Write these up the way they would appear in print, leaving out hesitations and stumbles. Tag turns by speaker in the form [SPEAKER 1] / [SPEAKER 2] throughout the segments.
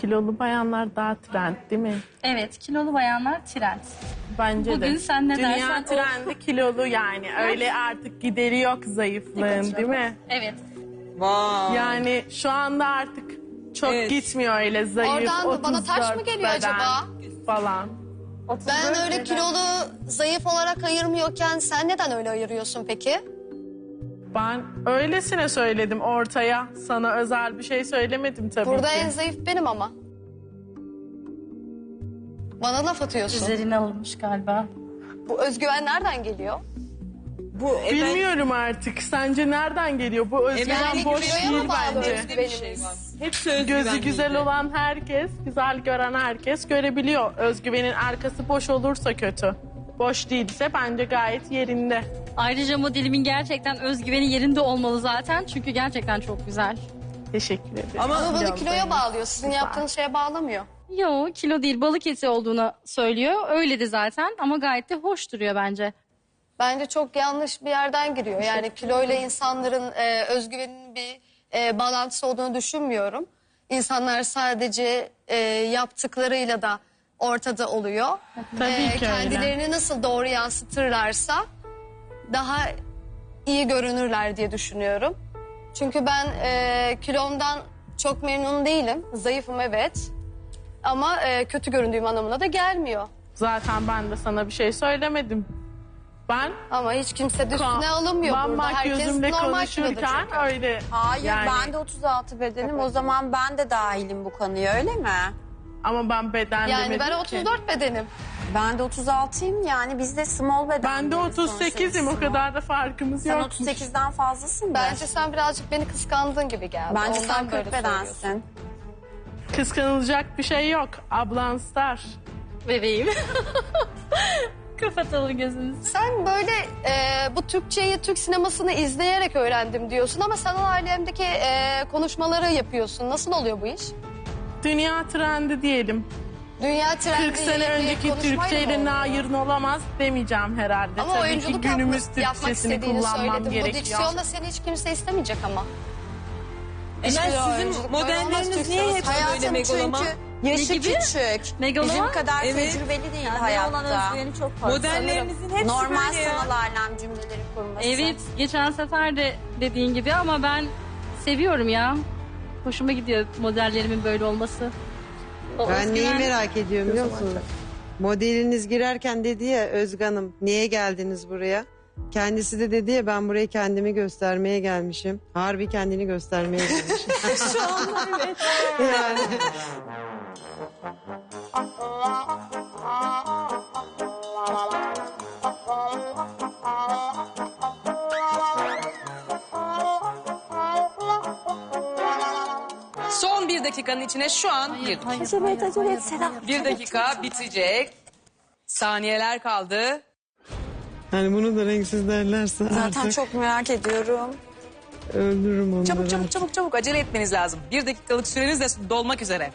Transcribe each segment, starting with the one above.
[SPEAKER 1] kilolu bayanlar daha trend değil mi?
[SPEAKER 2] Evet, kilolu bayanlar trend.
[SPEAKER 1] Bence de.
[SPEAKER 2] Bugün sen ne dersen
[SPEAKER 1] Dünya
[SPEAKER 2] o.
[SPEAKER 1] trendi kilolu yani. Öyle artık gideri yok zayıflığın değil mi?
[SPEAKER 2] Evet.
[SPEAKER 3] Vay.
[SPEAKER 1] Yani şu anda artık çok
[SPEAKER 3] Evet.
[SPEAKER 1] gitmiyor öyle zayıf.
[SPEAKER 4] Oradan bana taş mı
[SPEAKER 1] 34
[SPEAKER 4] geliyor
[SPEAKER 1] beden
[SPEAKER 4] acaba?
[SPEAKER 1] Falan.
[SPEAKER 4] Ben öyle kilolu, zayıf olarak ayırmıyorken sen neden öyle ayırıyorsun peki?
[SPEAKER 1] Ben öylesine söyledim ortaya. Sana özel bir şey söylemedim tabii
[SPEAKER 4] Burada
[SPEAKER 1] ki.
[SPEAKER 4] en zayıf benim ama. Bana laf atıyorsun.
[SPEAKER 2] Üzerine alınmış galiba.
[SPEAKER 4] Bu özgüven nereden geliyor?
[SPEAKER 3] Bu
[SPEAKER 1] Bilmiyorum artık. Sence nereden geliyor? Bu özgüven
[SPEAKER 3] Yani
[SPEAKER 1] boş
[SPEAKER 4] kiloya
[SPEAKER 1] değil
[SPEAKER 4] mı bağlı
[SPEAKER 1] bence.
[SPEAKER 4] özgüvenimiz?
[SPEAKER 3] hepsi özgüven
[SPEAKER 1] Gözü güzel
[SPEAKER 3] miydi?
[SPEAKER 1] olan herkes, güzel gören herkes görebiliyor. Özgüvenin arkası boş olursa kötü. Boş değilse bence gayet yerinde.
[SPEAKER 2] Ayrıca modelimin gerçekten özgüveni yerinde olmalı zaten. Çünkü gerçekten çok güzel.
[SPEAKER 1] Teşekkür ederim.
[SPEAKER 3] Ama
[SPEAKER 4] Ama bunu
[SPEAKER 1] Biraz
[SPEAKER 4] kiloya
[SPEAKER 1] zayıf.
[SPEAKER 4] bağlıyor. Sizin
[SPEAKER 1] Güzel.
[SPEAKER 4] yaptığınız şeye bağlamıyor.
[SPEAKER 2] Yo, kilo değil, balık eti olduğunu söylüyor. Öyle de zaten ama gayet de hoş duruyor bence.
[SPEAKER 4] Bence çok yanlış bir yerden giriyor. Yani kiloyla insanların özgüveninin bir bağlantısı olduğunu düşünmüyorum. İnsanlar sadece yaptıklarıyla da ortada oluyor.
[SPEAKER 1] Tabii ki öyle.
[SPEAKER 4] Kendilerini nasıl doğru yansıtırlarsa daha iyi görünürler diye düşünüyorum. Çünkü ben kilomdan çok memnun değilim. Zayıfım evet. Ama kötü göründüğüm anlamına da gelmiyor.
[SPEAKER 1] Zaten ben de sana bir şey söylemedim. Ben
[SPEAKER 4] Ama hiç kimse de üstüne alınmıyor burada.
[SPEAKER 1] bak
[SPEAKER 4] Herkes
[SPEAKER 1] gözümle
[SPEAKER 4] normal kiloda
[SPEAKER 1] konuşurken
[SPEAKER 4] çünkü.
[SPEAKER 1] öyle.
[SPEAKER 5] Hayır
[SPEAKER 1] yani.
[SPEAKER 5] ben de 36 bedenim. O zaman ben de dahilim bu konuya öyle mi?
[SPEAKER 1] Ama ben beden
[SPEAKER 4] Yani
[SPEAKER 1] demedim
[SPEAKER 4] ben
[SPEAKER 1] ki.
[SPEAKER 4] 34 bedenim.
[SPEAKER 5] Ben de 36'yım yani biz de small beden.
[SPEAKER 1] Ben de 38'im, o kadar da farkımız
[SPEAKER 5] Sen
[SPEAKER 1] yok.
[SPEAKER 5] 38'den fazlasın
[SPEAKER 4] Bence sen birazcık beni kıskandığın gibi geldi.
[SPEAKER 5] Bence
[SPEAKER 4] Ondan
[SPEAKER 5] sen
[SPEAKER 4] böyle
[SPEAKER 5] 40
[SPEAKER 4] söylüyorsun.
[SPEAKER 5] bedensin.
[SPEAKER 1] Kıskanılacak bir şey yok. Ablan star.
[SPEAKER 2] Bebeğim. Kapatalım gözünüzü.
[SPEAKER 4] Sen böyle bu Türkçeyi, Türk sinemasını izleyerek öğrendim diyorsun ama sanal alemdeki konuşmaları yapıyorsun. Nasıl oluyor bu iş?
[SPEAKER 1] Dünya trendi diyelim.
[SPEAKER 4] Dünya trendi
[SPEAKER 1] 40 sene
[SPEAKER 4] bir
[SPEAKER 1] önceki
[SPEAKER 4] konuşmayla mı
[SPEAKER 1] Türkçeyle
[SPEAKER 4] oluyor?
[SPEAKER 1] nayirin olamaz demeyeceğim herhalde.
[SPEAKER 4] Ama
[SPEAKER 1] Tabii ki
[SPEAKER 4] oyunculuk
[SPEAKER 1] günümüz
[SPEAKER 4] yapmak
[SPEAKER 1] Türkçesini
[SPEAKER 4] istediğini
[SPEAKER 1] kullanmam
[SPEAKER 4] söyledim. Bu
[SPEAKER 1] gerekiyor.
[SPEAKER 4] diksiyonda seni hiç kimse istemeyecek ama.
[SPEAKER 3] Emel sizin
[SPEAKER 4] oyunculuk böyle olmaz
[SPEAKER 3] modelleriniz
[SPEAKER 4] Türk
[SPEAKER 3] niye hep
[SPEAKER 4] sineması.
[SPEAKER 3] böyle
[SPEAKER 5] Hayatım
[SPEAKER 3] megaloman?
[SPEAKER 5] çünkü yaşı
[SPEAKER 2] Ne gibi?
[SPEAKER 5] küçük.
[SPEAKER 2] Megaloman?
[SPEAKER 5] Bizim kadar
[SPEAKER 3] Evet.
[SPEAKER 5] tecrübeli değil hayatta.
[SPEAKER 3] Modellerinizin hepsi
[SPEAKER 5] Normal
[SPEAKER 3] böyle ya.
[SPEAKER 5] sanal alem cümleleri kurması.
[SPEAKER 2] Evet, geçen sefer de dediğin gibi ama ben seviyorum ya. Hoşuma gidiyor modellerimin böyle olması. O
[SPEAKER 6] Ben neyi
[SPEAKER 2] özgüven-
[SPEAKER 6] merak ediyorum biliyor musunuz? Modeliniz girerken dedi ya Özge Hanım niye geldiniz buraya? Kendisi de dedi ya ben buraya kendimi göstermeye gelmişim. Harbi kendini göstermeye gelmişim.
[SPEAKER 3] Şu anda evet.
[SPEAKER 6] yani.
[SPEAKER 7] Son bir dakikanın içine şu an girdik.
[SPEAKER 5] Acele et Seda.
[SPEAKER 7] Bir dakika bitecek. Saniyeler kaldı.
[SPEAKER 6] Hani bunu da renksiz derlerse
[SPEAKER 5] Zaten
[SPEAKER 6] artık
[SPEAKER 5] çok merak ediyorum.
[SPEAKER 6] öldürürüm onları.
[SPEAKER 7] Çabuk çabuk çabuk çabuk acele etmeniz lazım. Bir dakikalık süreniz de dolmak üzere.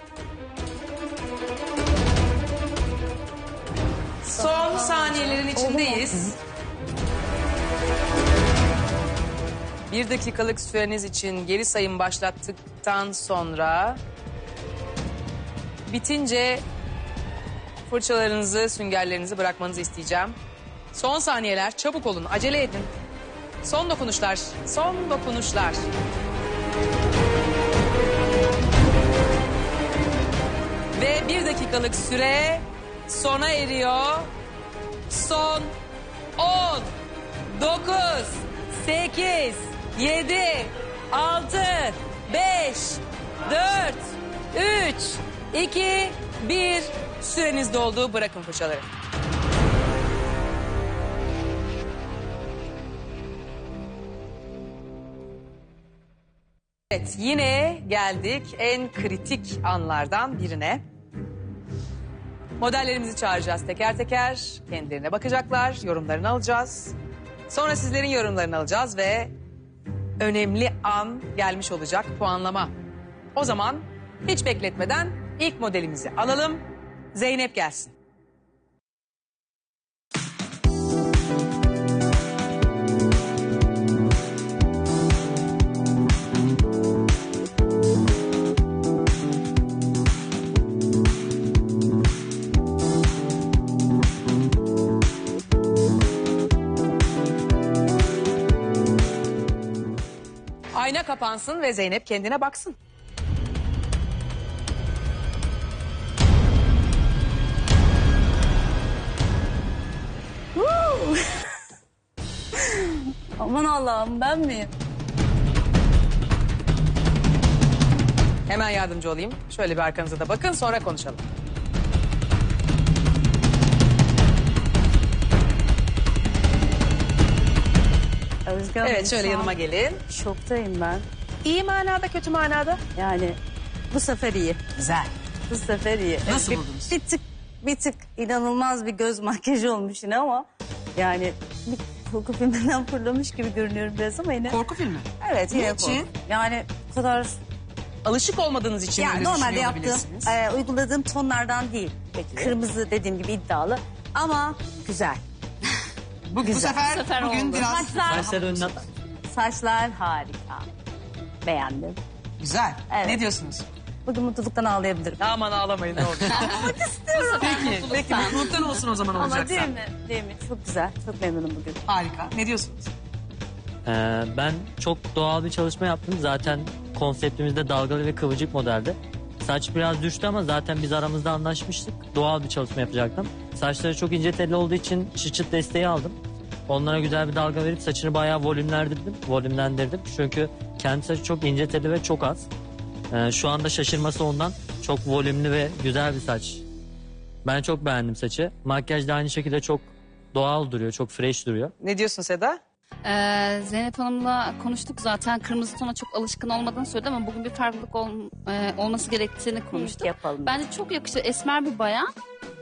[SPEAKER 7] Son saniyelerin içindeyiz. Bir dakikalık süreniz için geri sayım başlattıktan sonra bitince fırçalarınızı, süngerlerinizi bırakmanızı isteyeceğim. Son saniyeler, çabuk olun, acele edin. Son dokunuşlar, son dokunuşlar. Ve bir dakikalık süre sona eriyor. Son 10, 9, 8, 7, 6, 5, 4, 3, 2, 1. Süreniz doldu. Bırakın fırçaları. Evet, yine geldik en kritik anlardan birine. Modellerimizi çağıracağız teker teker. Kendilerine bakacaklar, yorumlarını alacağız. Sonra sizlerin yorumlarını alacağız ve önemli an gelmiş olacak, puanlama. O zaman hiç bekletmeden ilk modelimizi alalım. Zeynep gelsin. Ayna kapansın ve Zeynep kendine baksın.
[SPEAKER 3] Aman Allah'ım, ben miyim?
[SPEAKER 7] Hemen yardımcı olayım. Şöyle bir arkanıza da bakın, sonra konuşalım.
[SPEAKER 3] Özge Hanım,
[SPEAKER 7] Evet, şöyle
[SPEAKER 3] şu an
[SPEAKER 7] yanıma gelin.
[SPEAKER 3] şoktayım ben.
[SPEAKER 7] İyi manada, kötü manada.
[SPEAKER 3] Yani bu sefer iyi.
[SPEAKER 7] Güzel.
[SPEAKER 3] Bu sefer iyi.
[SPEAKER 7] Nasıl
[SPEAKER 3] Bir-
[SPEAKER 7] buldunuz?
[SPEAKER 3] Bir tık inanılmaz bir göz makyajı olmuş yine ama yani bir korku filminden fırlamış gibi görünüyorum biraz ama yine.
[SPEAKER 7] Korku filmi.
[SPEAKER 3] Evet, yine
[SPEAKER 7] Niçin?
[SPEAKER 3] korku. Yani bu kadar
[SPEAKER 7] Alışık olmadığınız için
[SPEAKER 3] yani
[SPEAKER 7] öyle
[SPEAKER 3] normalde
[SPEAKER 7] düşünüyor
[SPEAKER 3] yaptığım,
[SPEAKER 7] olabilirsiniz.
[SPEAKER 3] uyguladığım tonlardan değil. Kırmızı dediğim gibi iddialı ama güzel.
[SPEAKER 7] Bu sefer bugün
[SPEAKER 2] oldu.
[SPEAKER 7] biraz
[SPEAKER 3] Saçlar harika. Beğendim.
[SPEAKER 7] güzel.
[SPEAKER 3] Evet.
[SPEAKER 7] Ne diyorsunuz?
[SPEAKER 3] Bugün mutluluktan ağlayabilirim.
[SPEAKER 7] Aman ağlamayın ne olur. Peki mutluluktan olsun o zaman
[SPEAKER 3] Ama
[SPEAKER 7] olacaksa.
[SPEAKER 3] değil mi? Değil mi? Çok güzel. Çok memnunum bugün.
[SPEAKER 7] Harika. Ne diyorsunuz?
[SPEAKER 8] Ben çok doğal bir çalışma yaptım. Zaten konseptimizde dalgalı ve kıvırcık modeldi. Saç biraz düştü ama zaten biz aramızda anlaşmıştık. Doğal bir çalışma yapacaktım. Saçları çok ince telli olduğu için çıt desteği aldım. Onlara güzel bir dalga verip saçını bayağı volümlendirdim. Çünkü kendi saçı çok ince telli ve çok az. Şu anda şaşırması ondan. Çok volümlü ve güzel bir saç. Ben çok beğendim saçı. Makyaj da aynı şekilde çok doğal duruyor, çok fresh duruyor.
[SPEAKER 7] Ne diyorsun Seda?
[SPEAKER 2] Zeynep Hanım'la konuştuk zaten. Kırmızı tona çok alışkın olmadığını söyledi ama bugün bir farklılık olması gerektiğini konuştuk.
[SPEAKER 3] Yapalım.
[SPEAKER 2] Bence çok yakışır. Esmer bir bayan.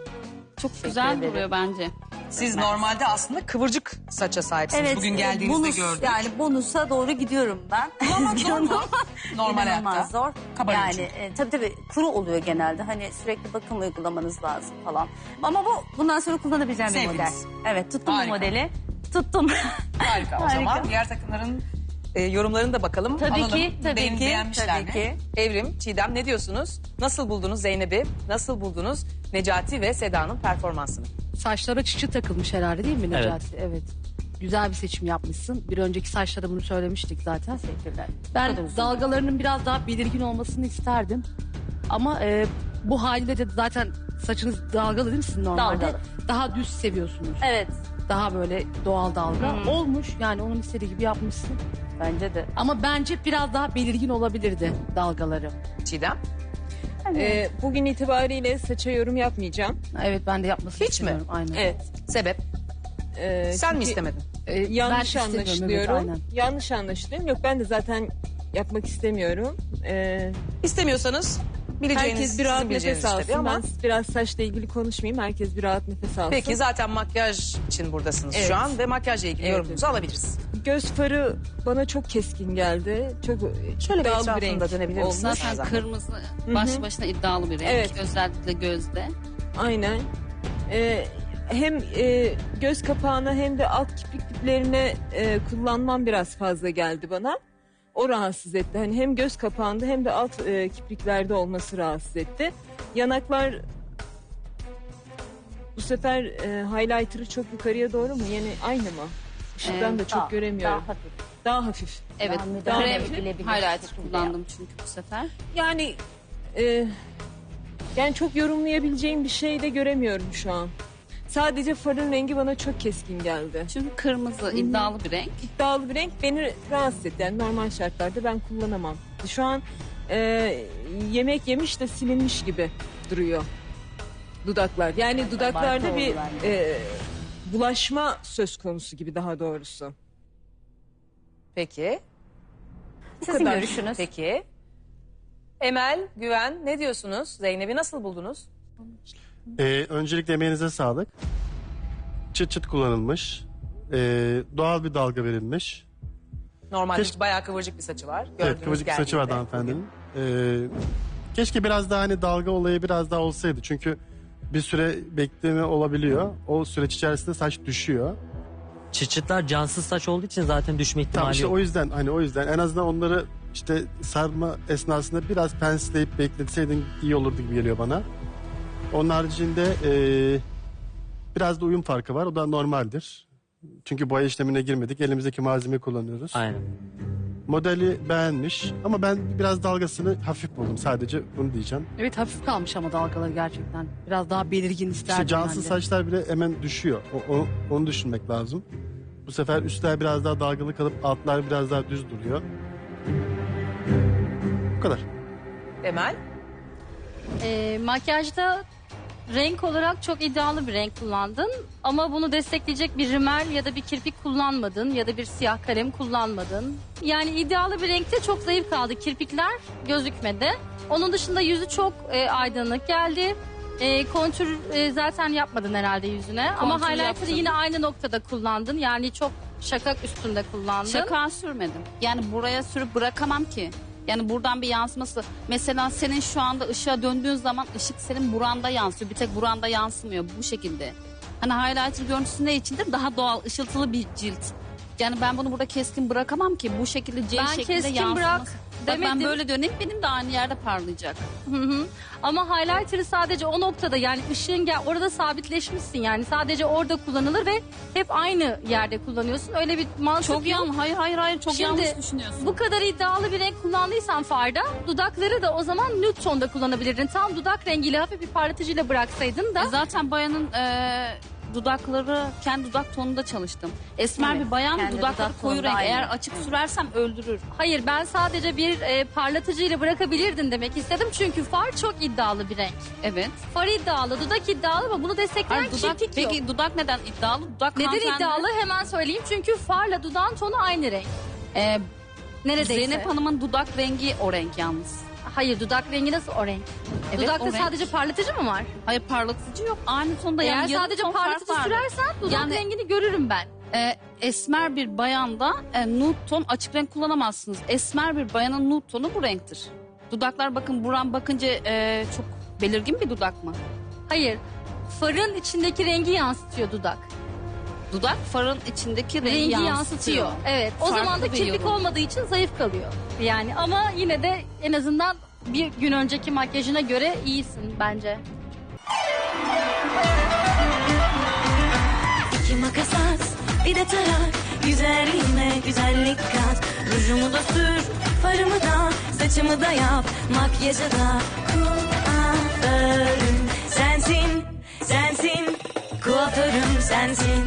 [SPEAKER 2] Çok güzel
[SPEAKER 3] ederim.
[SPEAKER 2] duruyor bence.
[SPEAKER 7] Siz normalde aslında kıvırcık saça sahipsiniz. Bugün geldiğinizde
[SPEAKER 3] bonus,
[SPEAKER 7] gördük.
[SPEAKER 3] Yani bonusa doğru gidiyorum ben.
[SPEAKER 7] Ama zor mu? Normal
[SPEAKER 3] İnanılmaz
[SPEAKER 7] hayatta.
[SPEAKER 3] zor.
[SPEAKER 7] Kabarıyor
[SPEAKER 3] Yani tabii kuru oluyor genelde. Hani sürekli bakım uygulamanız lazım falan. Ama bundan sonra kullanabileceğim bir model.
[SPEAKER 7] Sevdiniz.
[SPEAKER 3] Evet, tuttum
[SPEAKER 7] Harika.
[SPEAKER 3] bu modeli. Tuttum.
[SPEAKER 7] Harika o
[SPEAKER 3] Harika.
[SPEAKER 7] zaman. Diğer takımların yorumlarını da bakalım.
[SPEAKER 3] Tabii
[SPEAKER 7] Alalım.
[SPEAKER 3] ki, tabii ki,
[SPEAKER 7] Beğenmişler
[SPEAKER 3] tabii
[SPEAKER 7] mi?
[SPEAKER 3] ki.
[SPEAKER 7] Evrim, Çiğdem ne diyorsunuz? Nasıl buldunuz Zeynep'i? Nasıl buldunuz Necati ve Seda'nın performansını?
[SPEAKER 9] Saçlara çıçı takılmış herhalde değil mi Necati? Evet. Güzel bir seçim yapmışsın. Bir önceki saçlarda bunu söylemiştik zaten.
[SPEAKER 3] Teşekkürler.
[SPEAKER 9] Ben dalgalarının biraz daha belirgin olmasını isterdim. Ama bu haliyle de zaten saçınız dalgalı değil mi sizin normalde?
[SPEAKER 3] Dalgalı.
[SPEAKER 9] Daha düz seviyorsunuz.
[SPEAKER 3] Evet.
[SPEAKER 9] Daha böyle doğal dalga. Olmuş yani onun istediği gibi yapmışsın.
[SPEAKER 3] Bence de.
[SPEAKER 9] Ama bence biraz daha belirgin olabilirdi dalgaları.
[SPEAKER 7] Çiğdem?
[SPEAKER 10] Bugün itibariyle saça yorum yapmayacağım.
[SPEAKER 9] Evet ben de yapmasını
[SPEAKER 7] Hiç mi?
[SPEAKER 9] istiyorum. Aynen.
[SPEAKER 10] Evet.
[SPEAKER 7] Sebep? Sen mi
[SPEAKER 10] çünkü,
[SPEAKER 7] istemedin?
[SPEAKER 10] Yanlış
[SPEAKER 9] istemiyorum, evet,
[SPEAKER 10] anlaşılıyorum.
[SPEAKER 9] aynen.
[SPEAKER 10] Yanlış anlaşılıyorum. Yok, ben de zaten yapmak istemiyorum.
[SPEAKER 7] İstemiyorsanız bileceğiniz,
[SPEAKER 10] Herkes bir rahat
[SPEAKER 7] sizin bileceğiniz
[SPEAKER 10] nefes
[SPEAKER 7] tabii
[SPEAKER 10] alsın.
[SPEAKER 7] ama...
[SPEAKER 10] Ben biraz saçla ilgili konuşmayayım. Herkes bir rahat nefes alsın.
[SPEAKER 7] Peki zaten makyaj için buradasınız
[SPEAKER 10] Evet.
[SPEAKER 7] şu an ve makyajla ilgili
[SPEAKER 10] Evet.
[SPEAKER 7] yorumunuzu alabiliriz.
[SPEAKER 10] Göz farı bana çok keskin geldi. Çok
[SPEAKER 7] Şöyle bir
[SPEAKER 10] iddialı
[SPEAKER 7] etrafında
[SPEAKER 10] renk
[SPEAKER 7] dönebilir misiniz?
[SPEAKER 10] olmuş.
[SPEAKER 2] Zaten
[SPEAKER 7] Zaten.
[SPEAKER 2] kırmızı başlı başına iddialı bir renk.
[SPEAKER 10] Evet.
[SPEAKER 2] Özellikle gözde.
[SPEAKER 10] Aynen. Hem göz kapağına hem de alt kirpik diplerine kullanmam biraz fazla geldi bana. O rahatsız etti. Hani hem göz kapağında hem de alt kipriklerde olması rahatsız etti. Yanaklar bu sefer highlighter'ı çok yukarıya doğru mu? Yani aynı mı? Işıktan da çok göremiyorum.
[SPEAKER 3] Daha hafif.
[SPEAKER 10] Daha hafif.
[SPEAKER 2] Evet.
[SPEAKER 3] Daha
[SPEAKER 2] Krem
[SPEAKER 3] müdahale
[SPEAKER 2] highlighter
[SPEAKER 3] şekilde
[SPEAKER 2] kullandım çünkü bu sefer.
[SPEAKER 10] Yani yani çok yorumlayabileceğim bir şey de göremiyorum şu an. Sadece farın rengi bana çok keskin geldi.
[SPEAKER 2] Çünkü kırmızı iddialı bir renk.
[SPEAKER 10] İddialı bir renk beni rahatsız etti. Yani normal şartlarda ben kullanamam. Şu an yemek yemiş de silinmiş gibi duruyor dudaklar. Yani dudaklarda
[SPEAKER 3] Abartı
[SPEAKER 10] bir
[SPEAKER 3] oldu bence.
[SPEAKER 10] bulaşma söz konusu gibi daha doğrusu.
[SPEAKER 7] Peki.
[SPEAKER 3] Sizin
[SPEAKER 10] kadar.
[SPEAKER 3] görüşünüz.
[SPEAKER 7] Peki. Emel, Güven ne diyorsunuz? Zeynep'i nasıl buldunuz?
[SPEAKER 11] Öncelikle emeğinize sağlık. Çıt çıt kullanılmış. Doğal bir dalga verilmiş.
[SPEAKER 7] Normalde
[SPEAKER 11] Keşke-
[SPEAKER 7] bayağı kıvırcık bir saçı var.
[SPEAKER 11] Evet,
[SPEAKER 7] Gördüğünüz
[SPEAKER 11] kıvırcık bir saçı vardı
[SPEAKER 7] geldiğinde.
[SPEAKER 11] hanımefendinin. Keşke biraz daha hani dalga olayı biraz daha olsaydı. Çünkü bir süre bekleme olabiliyor. O süreç içerisinde saç düşüyor.
[SPEAKER 8] Çıçıtlar cansız saç olduğu için zaten düşme
[SPEAKER 11] Tamam
[SPEAKER 8] ihtimali
[SPEAKER 11] işte
[SPEAKER 8] yok.
[SPEAKER 11] o yüzden en azından onları işte sarma esnasında biraz pensleyip bekletseydin iyi olurdu gibi geliyor bana. Onun haricinde biraz da uyum farkı var. O da normaldir. Çünkü boya işlemine girmedik. Elimizdeki malzemeyi kullanıyoruz.
[SPEAKER 8] Aynen.
[SPEAKER 11] Modeli beğenmiş ama ben biraz dalgasını hafif buldum, sadece bunu diyeceğim.
[SPEAKER 9] Evet, hafif kalmış ama dalgaları gerçekten. Biraz daha belirgin isterdim
[SPEAKER 11] İşte cansız
[SPEAKER 9] ben de.
[SPEAKER 11] saçlar bile hemen düşüyor. Onu düşünmek lazım. Bu sefer üstler biraz daha dalgalı kalıp altlar biraz daha düz duruyor. Bu kadar.
[SPEAKER 7] Emel?
[SPEAKER 2] Makyajda renk olarak çok iddialı bir renk kullandın. Ama bunu destekleyecek bir rimel ya da bir kirpik kullanmadın ya da bir siyah kalem kullanmadın. Yani iddialı bir renkte çok zayıf kaldı. Kirpikler gözükmedi. Onun dışında yüzü çok aydınlık geldi. Kontür zaten yapmadın herhalde yüzüne. Ama
[SPEAKER 12] Kontür
[SPEAKER 2] highlighter'ı
[SPEAKER 12] yaptım.
[SPEAKER 2] yine aynı noktada kullandın. Yani çok şakak üstünde kullandın.
[SPEAKER 12] Şaka sürmedim. Yani buraya sürüp bırakamam ki. Yani buradan bir yansıması. Mesela senin şu anda ışığa döndüğün zaman ışık senin buranda yansıyor. Bir tek buranda yansımıyor bu şekilde. Hani highlighter görüntüsü ne içindir? Daha doğal, ışıltılı bir cilt. Yani ben bunu burada keskin bırakamam ki. Bu şekilde C
[SPEAKER 2] Ben
[SPEAKER 12] şeklinde
[SPEAKER 2] keskin
[SPEAKER 12] yansıması.
[SPEAKER 2] bırak
[SPEAKER 12] Bak ben
[SPEAKER 2] demedim.
[SPEAKER 12] böyle döneyim benim de aynı yerde parlayacak.
[SPEAKER 2] Hı hı. Ama highlighter'ı sadece o noktada, yani ışığın orada sabitleşmişsin, yani sadece orada kullanılır ve hep aynı yerde kullanıyorsun. Öyle bir mantık
[SPEAKER 12] Çok
[SPEAKER 2] yok.
[SPEAKER 12] yanlış. Hayır çok
[SPEAKER 2] Şimdi,
[SPEAKER 12] yanlış düşünüyorsun.
[SPEAKER 2] Bu kadar iddialı bir renk kullandıysan farda, dudakları da o zaman nude tonda kullanabilirdin. Tam dudak rengiyle hafif bir parlatıcıyla bıraksaydın da.
[SPEAKER 12] Zaten bayanın dudakları kendi dudak tonunda çalıştım. Esmer
[SPEAKER 2] Evet,
[SPEAKER 12] bir bayan
[SPEAKER 2] kendi
[SPEAKER 12] dudakları
[SPEAKER 2] dudak
[SPEAKER 12] koyu
[SPEAKER 2] tonunda
[SPEAKER 12] renk.
[SPEAKER 2] aynı.
[SPEAKER 12] Eğer açık sürersem öldürür.
[SPEAKER 2] Hayır, ben sadece bir parlatıcıyla bırakabilirdin demek istedim. Çünkü far çok iddialı bir renk.
[SPEAKER 12] Evet.
[SPEAKER 2] Far iddialı, dudak iddialı ama bunu destekleyen
[SPEAKER 12] Hayır, dudak,
[SPEAKER 2] kirpik yok.
[SPEAKER 12] peki dudak neden iddialı? Dudak
[SPEAKER 2] Neden
[SPEAKER 12] hanımefendi-
[SPEAKER 2] iddialı hemen söyleyeyim. Çünkü farla dudağın tonu aynı renk. Neredeyse.
[SPEAKER 12] Zeynep Hanım'ın dudak rengi o renk yalnız.
[SPEAKER 2] Hayır, dudak rengi nasıl o renk?
[SPEAKER 12] Evet,
[SPEAKER 2] Dudakta
[SPEAKER 12] o renk.
[SPEAKER 2] sadece parlatıcı mı var?
[SPEAKER 12] Hayır parlatıcı yok. Aynı tonda
[SPEAKER 2] Eğer
[SPEAKER 12] yani yarım
[SPEAKER 2] sadece
[SPEAKER 12] ton
[SPEAKER 2] parlatıcı
[SPEAKER 12] fark vardı.
[SPEAKER 2] sürersen dudak
[SPEAKER 12] Yani-
[SPEAKER 2] rengini görürüm ben.
[SPEAKER 12] Esmer bir bayanda nude ton açık renk kullanamazsınız. Esmer bir bayanın nude tonu bu renktir. Dudaklar bakın buram bakınca çok belirgin bir dudak mı?
[SPEAKER 2] Hayır, farın içindeki rengi yansıtıyor dudak.
[SPEAKER 12] Dudak farın içindeki rengi,
[SPEAKER 2] Rengi yansıtıyor. Evet, o
[SPEAKER 12] Farklı
[SPEAKER 2] zaman da
[SPEAKER 12] bir
[SPEAKER 2] kirpik
[SPEAKER 12] yorum.
[SPEAKER 2] olmadığı için zayıf kalıyor. Yani ama yine de en azından bir gün önceki makyajına göre iyisin bence.
[SPEAKER 13] İki makas at, bir de tarak. Güzelliğime güzellik kat. Rujumu da sür, farımı da, saçımı da yap. Makyajı da kuaförüm sensin, sensin. Kuaförüm sensin.